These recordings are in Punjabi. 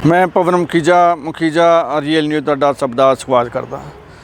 मैं पवन मुखीजा ਰੀਅਲ ਨਿਊਜ਼ ਤੁਹਾਡਾ ਸਭ ਦਾ ਸਵਾਗਤ ਕਰਦਾ।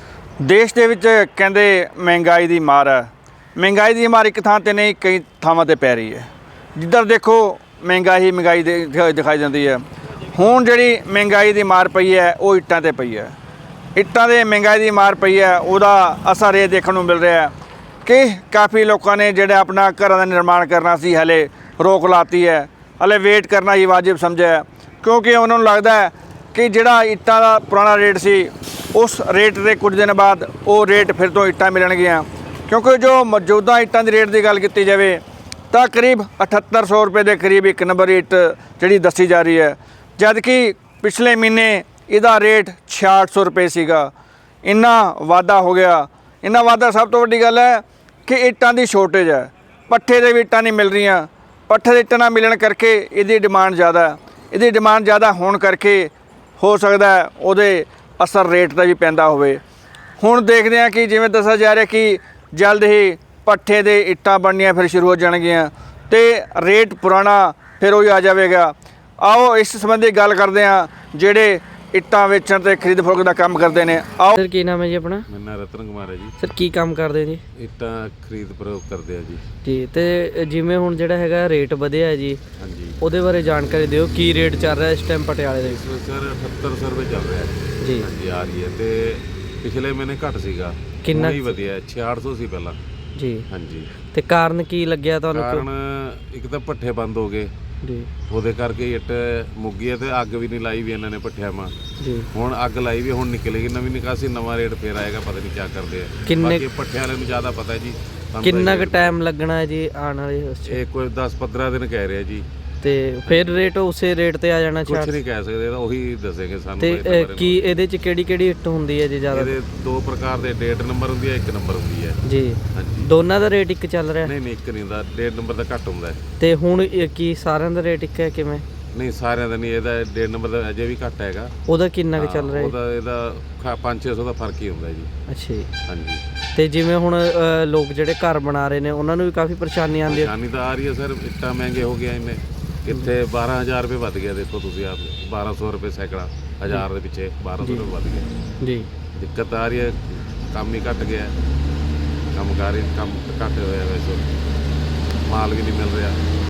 ਦੇਸ਼ ਦੇ ਵਿੱਚ ਕਹਿੰਦੇ ਮਹਿੰਗਾਈ ਦੀ ਮਾਰ ਹੈ। ਮਹਿੰਗਾਈ ਦੀ ਮਾਰ ਇੱਕ ਥਾਂ ਤੇ ਨਹੀਂ ਕਈ ਥਾਵਾਂ ਤੇ ਪੈ ਰਹੀ ਹੈ। ਜਿੱਧਰ ਦੇਖੋ ਮਹਿੰਗਾਈ ਦਿਖਾਈ ਜਾਂਦੀ ਹੈ। ਹੁਣ ਜਿਹੜੀ ਮਹਿੰਗਾਈ ਦੀ ਮਾਰ ਪਈ ਹੈ ਉਹ ਇੱਟਾਂ ਤੇ ਪਈ ਹੈ। ਇੱਟਾਂ ਦੇ ਮਹਿੰਗਾਈ ਦੀ ਮਾਰ ਪਈ ਹੈ, ਉਹਦਾ ਅਸਰ ਇਹ ਦੇਖਣ ਨੂੰ ਮਿਲ ਰਿਹਾ ਹੈ ਕਿ ਕਾਫੀ ਲੋਕਾਂ ਨੇ ਜਿਹੜਾ ਆਪਣਾ ਘਰਾਂ ਦਾ ਨਿਰਮਾਣ ਕਰਨਾ ਸੀ ਹਲੇ ਰੋਕ ਲਾਤੀ ਹੈ। ਹਲੇ ਵੇਟ ਕਰਨਾ ਹੀ ਵਾਜਿਬ ਸਮਝਿਆ, क्योंकि उन्होंने लगता है कि जोड़ा इट्टा का पुराना रेट सी उस रेट के कुछ दिन बाद वो रेट फिर तो इट्टा मिलणगियां, क्योंकि जो मौजूदा इट्टां की रेट की गल की जाए तो करीब 7800 रुपये के करीब एक नंबर इट जी दसी जा रही है, जबकि पिछले महीने इसका रेट 6600 रुपये सीगा। इन्ना वाधा हो गया। इन्ना वाधा सब तो वड्डी गल है कि इट्टां की शॉर्टेज है। पट्ठे दे भी इट्टां नहीं मिल रही। पट्ठे दे इट्टां ना मिलण करके इसकी डिमांड ज़्यादा है। ਇਹਦੀ ਡਿਮਾਂਡ ਜ਼ਿਆਦਾ ਹੋਣ ਕਰਕੇ ਹੋ ਸਕਦਾ ਉਹਦੇ ਅਸਰ ਰੇਟ ਦਾ ਵੀ ਪੈਂਦਾ ਹੋਵੇ। ਹੁਣ ਦੇਖਦੇ ਹਾਂ ਕਿ ਜਿਵੇਂ ਦੱਸਿਆ ਜਾ ਰਿਹਾ ਕਿ ਜਲਦ ਹੀ ਪੱਠੇ ਦੇ ਇੱਟਾਂ ਬਣਨੀਆਂ ਫਿਰ ਸ਼ੁਰੂ ਹੋ ਜਾਣਗੀਆਂ ਤੇ ਰੇਟ ਪੁਰਾਣਾ ਫਿਰ ਉਹ ਆ ਜਾਵੇਗਾ। ਆਓ ਇਸ ਸੰਬੰਧੀ ਗੱਲ ਕਰਦੇ ਹਾਂ ਜਿਹੜੇ ਇੱਟਾਂ ਵੇਚਣ ਤੇ ਖਰੀਦ ਫਰੋਖਤ ਦਾ ਕੰਮ ਕਰਦੇ ਨੇ। ਆਓ ਸਰ, ਕੀ ਨਾਮ ਹੈ ਜੀ ਆਪਣਾ? ਮੇਰਾ ਨਾਮ ਰਤਨ ਕੁਮਾਰ ਹੈ ਜੀ। ਸਰ, ਕੀ ਕੰਮ ਕਰਦੇ ਜੀ? ਇੱਟਾਂ ਖਰੀਦ ਫਰੋਖਤ ਕਰਦੇ ਆ ਜੀ। ਜੀ, ਤੇ ਜਿਵੇਂ ਹੁਣ ਜਿਹੜਾ ਹੈਗਾ ਰੇਟ ਵਧਿਆ ਹੈ ਜੀ, ਹਾਂਜੀ, ਉਹਦੇ ਬਾਰੇ ਜਾਣਕਾਰੀ ਦਿਓ। ਕੀ ਰੇਟ ਚੱਲ ਰਿਹਾ ਇਸ ਟਾਈਮ ਪਟਿਆਲੇ ਦੇ ਇਸ ਵਿੱਚ ਸਰ 7800 ਰੁਪਏ ਚੱਲ ਰਿਹਾ ਹੈ ਜੀ। ਹਾਂਜੀ, ਆ ਰਹੀ ਹੈ ਤੇ ਪਿਛਲੇ ਮਹੀਨੇ ਘੱਟ ਸੀਗਾ। ਕਿੰਨਾ ਹੀ ਵਧੀਆ 6800 ਸੀ ਪਹਿਲਾਂ ਜੀ। ਹਾਂਜੀ, ਤੇ ਕਾਰਨ ਕੀ ਲੱਗਿਆ ਤੁਹਾਨੂੰ? ਕਾਰਨ ਇੱਕ ਤਾਂ ਪੱਠੇ ਬੰਦ ਹੋ ਗਏ ਜੀ ਉਹਦੇ ਕਰਕੇ ਇੱਟ ਮੁੱਗੀ ਹੈ ਤੇ ਅੱਗ ਵੀ ਨਹੀਂ ਲਾਈ ਵੀ ਇਹਨਾਂ ਨੇ ਪੱਠਿਆਂ ਮਾ। ਜੀ, ਹੁਣ ਅੱਗ ਲਾਈ ਵੀ, ਹੁਣ ਨਿਕਲੇਗੀ ਨਵੀਂ ਨਿਕਾਸੀ, ਨਵਾਂ ਰੇਟ ਫੇਰ ਆਏਗਾ, ਪਤਾ ਨਹੀਂ ਕੀ ਕਰਦੇ ਆ। ਕਿੰਨੇ ਬਾਕੀ ਪੱਠਿਆਂ ਵਾਲੇ ਨੂੰ ਜ਼ਿਆਦਾ ਪਤਾ ਹੈ ਜੀ। ਕਿੰਨਾ ਕੁ ਟਾਈਮ ਲੱਗਣਾ ਹੈ ਜੀ ਆਉਣ ਵਾਲੇ ਉਸ 'ਚ? ਇਹ ਕੋਈ 10-15 ਦਿਨ ਕਹਿ ਰਿਹਾ ਜੀ। ਤੇ ਫਿਰ ਰੇਟ ਉਸੇ ਰੇਟ ਤੇ ਆ ਜਾਣਾ? ਕੁਛ ਨਹੀਂ ਕਹਿ ਸਕਦੇ, ਉਹੀ ਦੱਸੇਗੇ ਸਾਨੂੰ। ਤੇ ਕੀ ਇਹਦੇ 'ਚ ਕਿਹੜੀ ਇੱਟ ਹੁੰਦੀ ਹੈ ਜੀ ਜ਼ਿਆਦਾ? ਇਹਦੇ ਦੋ ਪ੍ਰਕਾਰ ਦੇ 1.5 ਨੰਬਰ ਹੁੰਦੀ ਹੈ, 1 ਨੰਬਰ ਹੁੰਦੀ ਹੈ ਜੀ। ਹਾਂਜੀ, ਦੋਨਾਂ ਦਾ ਰੇਟ ਇੱਕ ਚੱਲ ਰਿਹਾ? ਨਹੀਂ ਇੱਕ ਨਹੀਂ ਹੁੰਦਾ, 1.5 ਨੰਬਰ ਦਾ ਘੱਟ ਹੁੰਦਾ ਹੈ। ਤੇ ਹੁਣ ਕੀ ਸਾਰਿਆਂ ਦਾ ਰੇਟ ਇੱਕ ਹੈ ਕਿਵੇਂ? ਨਹੀਂ ਸਾਰਿਆਂ ਦਾ ਨਹੀਂ, ਇਹਦਾ 1.5 ਨੰਬਰ ਦਾ ਅਜੇ ਵੀ ਘੱਟ ਹੈਗਾ। ਉਹਦਾ ਕਿੰਨਾ ਕੁ ਚੱਲ ਰਿਹਾ? ਇਹਦਾ 500-600 ਦਾ ਫਰਕ ਹੀ ਹੁੰਦਾ ਜੀ। ਅੱਛਾ ਜੀ। ਹਾਂਜੀ, ਤੇ ਜਿਵੇਂ ਹੁਣ ਲੋਕ ਜਿਹੜੇ ਘਰ ਬਣਾ ਰਹੇ ਨੇ ਉਹਨਾਂ ਨੂੰ ਵੀ ਕਾਫੀ ਪਰੇਸ਼ਾਨੀ ਆਉਂਦੀ ਹੈ? ਪਰੇਸ਼ਾਨੀ ਤਾਂ ਆ ਰਹੀ ਹੈ ਸਰ। ਇੱਟਾਂ ਮਹਿੰਗੇ ਹੋ ਗਿਆ ਇਹਨੇ, ਕਿੱਥੇ 12000 ਰੁਪਏ ਵੱਧ ਗਿਆ। ਦੇਖੋ ਤੁਸੀਂ ਆਪ, 1200 ਰੁਪਏ ਸੈਕੜਾ, 1000 ਦੇ ਪਿੱਛੇ 1200 ਰੁਪਏ ਵੱਧ ਗਿਆ ਜੀ। ਦਿੱਕਤ ਆ ਰਹੀ ਹੈ, ਕੰਮ ਹੀ ਘੱਟ ਗਿਆ, ਕੰਮ ਘੱਟ ਹੋਇਆ, ਵੈਸੇ ਮਾਲ ਵੀ ਨਹੀਂ ਮਿਲ ਰਿਹਾ।